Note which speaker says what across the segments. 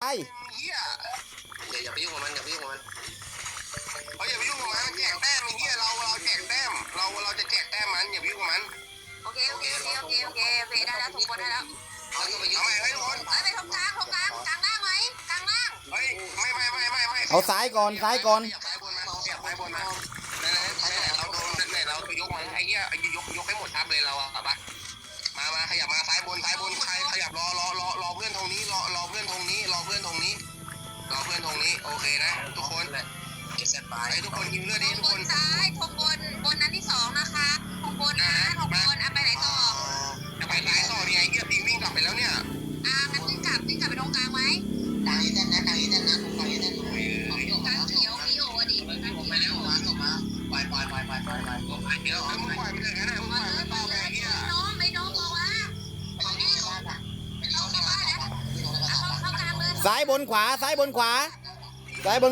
Speaker 1: ไอ้
Speaker 2: เฮียอย่าไปยุ่งกับมันอย่าไปยุ่งกับมันอย่าไปยุ่งกับมันแจกแต้มไอ้เฮียเราแจกแต้มเราจะแจกแต้มมันอย่าไปยุ่งกับมัน
Speaker 3: โอเคได้แล้วถูกคนได้แล้ว
Speaker 2: เอาไปยุ่งให้ทุกคน
Speaker 3: ไปตรงกลางล่างไหมกลางล่าง
Speaker 2: เฮ้ยไม่
Speaker 1: เอาซ้ายก่อน
Speaker 2: ซ้ายบนมาเราโดนเราไปยกมันไอ้เหี้ยยกให้หมดทับเลยเราอ่ะปะมาขยับมาซ้ายบนใครขยับรอเพื่อนตรงนี้รอเพื่อนตรงนี้โอเคนะทุกคนเก็บเซตไปทุกคนยิงเลือดดิทุกคน
Speaker 3: ซ้ายทงบนนั้นที่2นะคะทงบนเอาไปไหนต่อ
Speaker 2: จะไปซ้ายต่อเนี่ยไอ้เหี้ยตีวิ่งกลับไปแล้วเนี่ย
Speaker 3: งั้นวิ่งกลับไปตรงกลางไหม
Speaker 4: กลางเส้นนะกลางเส้นนะกลางเส้น
Speaker 3: กลางเขียวพี่โอดิ
Speaker 4: ไปแล้วมาปล่อย
Speaker 2: เดี๋ยวมึงปล่อยมันเลยนะมึงปล่อยมันต่อไปเหี้ย
Speaker 3: น้องบอกว่าเข้ากลางเลย
Speaker 1: ซ้ายบนขวาซ้ายบนขวา
Speaker 3: เข้า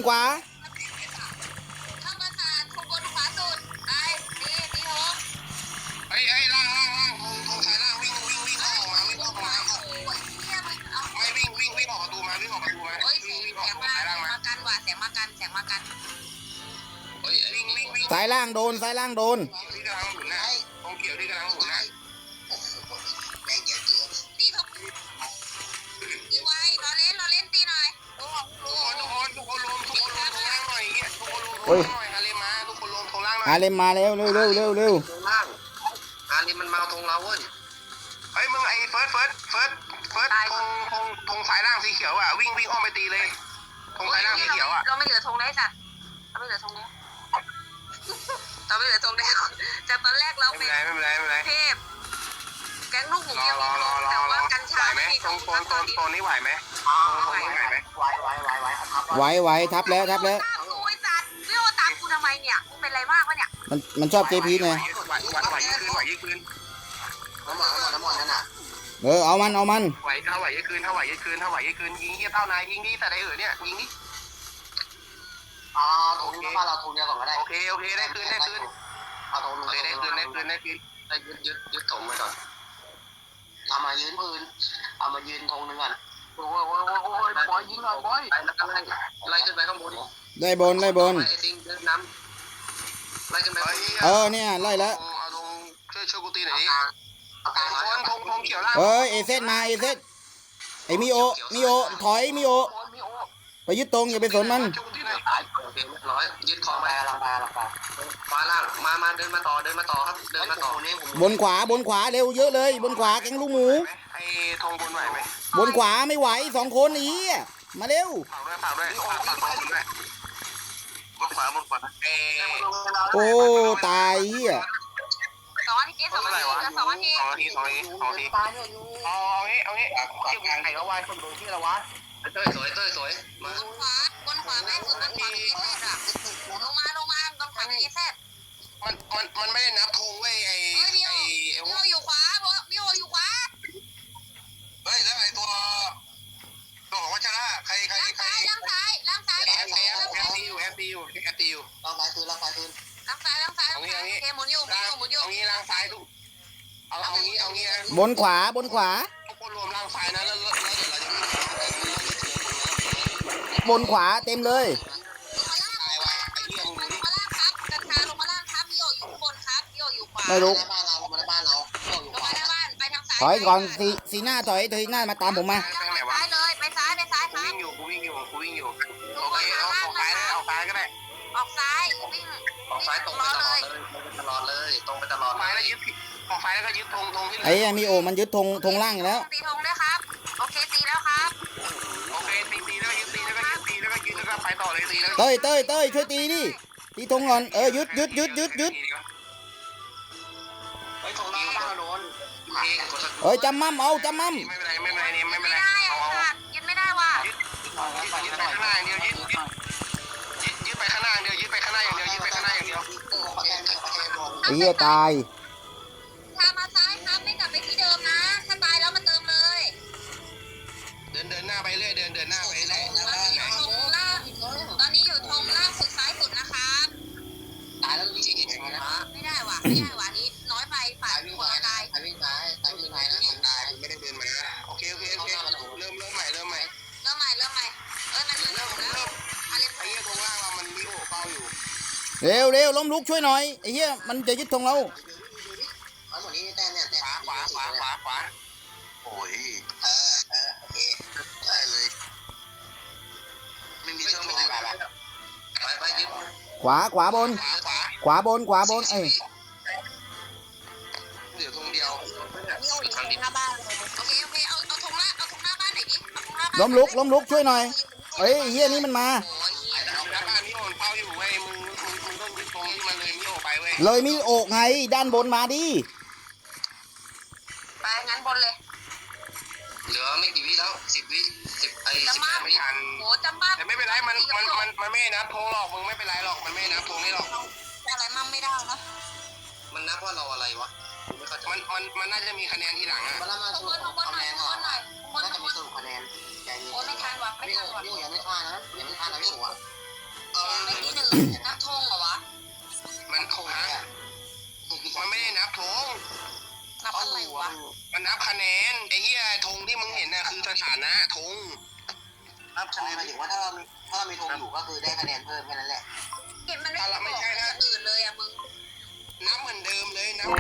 Speaker 3: มาสาดทงบนขวาสุดไปดีโห
Speaker 2: ไอ้ล่างทงสายล่างวิ่งออกมาไม่วิ่งออกประตูมา
Speaker 3: โอ้ยเสียงมากันว่ะเสียงมากัน
Speaker 2: เฮ้ยวิ่ง
Speaker 1: ซ้ายล่างโดน
Speaker 2: ที่กำลังหมุนนะตรงเกี่ยวที่กำลังหมุนนะ
Speaker 4: แม่งเยอะเกิน
Speaker 3: ตีทงตีไว้รอเล่นตีหน่อย
Speaker 2: ทุกคนรวมทงล่างหน่อยทุกคนรวมทงล่างหน่อยฮาเลมาทุกคนรวมทงล่างหน่อย
Speaker 1: ฮาเลมมาแล้วเร็ว
Speaker 2: ทงล่างฮาเลมันมาทงเราเว้ยเฮ้ยมึงไอ้เฟิร์สทงสายล่างสีเขียวอ่ะวิ่งอ้อมไปตีเลยทงสายล่างสีเขียวอ่ะ
Speaker 3: เราไม่เหลือทงได้สัตว์เราไม่เหลือทงแล้วจากตอนแรกเรา
Speaker 2: ไม่เป็นไร
Speaker 3: เทพแก๊งลูกหมูยังมีทงแต่ว่ากัญชาไม่มีทง
Speaker 2: โซนนี้ไหวไหม
Speaker 1: ไหวทับแล้ว
Speaker 3: กูไอ้สัตว์ไม่โอตามกูทำไมเนี่ยกูเป็นไรมากวะเนี่ย
Speaker 1: มันชอบเจพีไง
Speaker 2: ไหวยืดคืน
Speaker 4: น้ำมันนั่นน่ะ
Speaker 1: เอามัน
Speaker 2: ไหวถ้าไหวยืดคืนยิงเหี้ยเท่านายยิงนี่แต่ไอ้เนี่ยยิงนี่
Speaker 4: ตรงนี้บ้านเราตรงเดียวก่อนก็ได้
Speaker 2: โอเคได้คืน
Speaker 4: เอาตรงนู้น
Speaker 2: ได้คืนยึดถมไว้ก่อน
Speaker 4: เอามายืนธงนึงก่อน
Speaker 2: โอ้ยบอยยิงหน่อยบอยแล้วก็ไล่ขึ้นไปข้างบน
Speaker 1: ได้บน
Speaker 2: ไอ้ติงเดินน้ำไล่ขึ้นไป
Speaker 1: เนี่ยไล่แล้ว
Speaker 2: เอาตรงช่วยกูตีหน่อยดิทงเขียวล่าง
Speaker 1: เอเซตมาเอเซตไอมิโอถอยมิโอไปยึดตรงอย่าไปสนมัน
Speaker 2: ยึดของไป
Speaker 4: ลังปลา
Speaker 2: ล่างมาเดินมาต่อครับเดินมาต่อบ
Speaker 1: นขวาเร็วเยอะเลยบนขวาแกงลูกหมู
Speaker 2: ไอ้ธงบนไหวไหม
Speaker 1: บนขวาไม่ไหว2 คนนี้มาเร็ว
Speaker 2: ฝากด้วยบนขวา
Speaker 1: โอ้ตายเฮีย
Speaker 3: 2 นาทีเอางี้
Speaker 2: ไข่ละวายคนดูที่ละวะเต้ยสวย
Speaker 3: มาบนขวาแม่สุดบนขวาเอเซตอะลงมาบนขวาเอเซต
Speaker 2: มันไม่ได้นับธงเว้ย
Speaker 3: มิโออยู่ขวา
Speaker 2: เฮ้ยแล้วไอ้ตัวของวัชระใคร
Speaker 3: ล่างซ้าย
Speaker 2: แอปตีอยู่
Speaker 4: ล่างซ้ายคืน
Speaker 3: ล่างซ้ายหมุนอยู่
Speaker 2: งี้ล่างซ้ายทุกเอางี้
Speaker 1: บนขวา
Speaker 2: ทุกคนรวมล่างซ้ายนะแล้วเดี๋ยวเราจะ
Speaker 1: บนขวาเต็มเลย
Speaker 3: ลงมาล่างครับกัญชาลงมาล่างครับมิโออยู่บนครับมิโออยู่ขวา
Speaker 1: ไม่รู้
Speaker 4: บ้านเราลงมาบ้าน
Speaker 3: ไปทางซ้าย
Speaker 1: ถอยก่อนสีหน้าถอยหน้ามาตามผมมา
Speaker 3: ซ้ายเลยไปซ้ายครับ
Speaker 2: กูวิ่งอยู่โอเคเอาซ้ายก็ได้
Speaker 3: ออกซ้ายวิ่ง
Speaker 2: ออกซ้ายตรงไปตลอดเลยซ้ายแล้วยึดออกซ้ายแล้วก็ยึดธงที่
Speaker 1: ไอ้มิโอมันยึดธงล่างแล้ว
Speaker 3: ตีธงด้วยครับโอเคตีแล้วครับ
Speaker 2: โอเคตีแล้วก็ยึดแล้วก็ไปต่อเลยตีแล้ว
Speaker 1: เต้ยช่วยตีดิตีธงก่อนยึด
Speaker 4: เฮ้ยธงล่างบ้านโดน
Speaker 1: จำมั่ม
Speaker 2: ไม่เป็นไร
Speaker 3: ยึดไม่ได้ว่ะ
Speaker 2: ยึดไปข้างหน้าอย่างเดียวยึดไปข้างหน้าอย่างเดียว
Speaker 1: เฮียตาย
Speaker 3: ถ้ามาซ้ายครับไม่กลับไปที่เดิมนะถ้าตายแล้วมาเติมเลย
Speaker 2: เดินหน้าไปเรื่อยตอน
Speaker 3: นี้อยู่ธงล่างสุดซ้ายสุดนะครับ
Speaker 4: ตายแล้วมีที่เห็นไหมนะ
Speaker 3: ไม่ได้ว่ะนี้น้อยไปฝ่ายหัวตาย
Speaker 4: วิ่งไปนะ
Speaker 2: ตายไม่ได้เดินมาโอเคเริ่มใหม่
Speaker 1: เร็วเร็วล้มลุกช่วยหน่อยไอ้เหี้ยมันจะยึดธงเรา
Speaker 4: เอาหมดนี้แต้มเนี่ยแต้ม
Speaker 2: ขวาโอ้ยโอเคได้เลยไม่มีช่องไม่ได้ไปยึด
Speaker 1: ขวาบน ขวาบนเอ้ย
Speaker 2: เหลือธงเดียว
Speaker 3: นี่เอาอีกหน้าบ้านเลยโอเคเอาธงหน้าบ้านหน่อยดิเอาธงหน้าบ้าน
Speaker 1: ล้มลุกช่วยหน่อยเอ้ยไอ้เหี้ยนี่มันมา
Speaker 3: โอ้ย
Speaker 2: ไอ้ดาวหน้าบ้านนี่มันเฝ้าอยู่เว้ยมึงต้องยึดธงที่มันเลยมิโอไปเว้ย
Speaker 1: เลยมีโอกไงด้านบนมาดิ
Speaker 3: ไปงั้นบนเลย
Speaker 2: เหลือไม่กี่วิแล้ว10 วิ10ไอ้
Speaker 3: จะมา
Speaker 2: ไม่ทัน
Speaker 3: โหจำบ้าน
Speaker 2: แต่ไม่เป็นไรมันไม่นับธงหรอกมึงไม่เป็นไรหรอกมันไม่นับธงนี่หรอก
Speaker 3: อะไรมั่งไม่ได้นะ
Speaker 2: มันนับว่าเราอะไรวะมันน่าจะมีคะแนนทีหลังอ่ะ
Speaker 4: มาแล้วมา
Speaker 3: ข
Speaker 4: ส
Speaker 3: บ
Speaker 4: รุ
Speaker 3: วน
Speaker 4: ป
Speaker 3: หน่อย
Speaker 4: คะแนน
Speaker 3: ขบวนหน่อย
Speaker 4: น่าจะมีสรุปคะแนนใจเย็น
Speaker 3: โอ้ไม่ทันว่ะไม่
Speaker 4: พี่
Speaker 3: ทันว่ะ
Speaker 4: พี่ยังไม่พลาดนะยังไม่พลาดนะพี่หัว
Speaker 3: ไม่ที่หนึ่งนับธงเหรอวะ
Speaker 2: มันธงฮะมันไม่ได้นับธง
Speaker 3: นับอะไรวะ
Speaker 2: มันนับคะแนนไอ้เหี้ยธงที่มึงเห็นน่ะคือสถานะธงนับคะแนน
Speaker 4: หมายถึงว่าถ้าเรามีธงอยู่ก็คือได้คะแนนเพิ่มแค่นั้นแหละ
Speaker 3: เห็นมันไม่บอกอย่างอื่นเลยอ่ะมึง
Speaker 2: นับเหมือนเดิมเลยนับ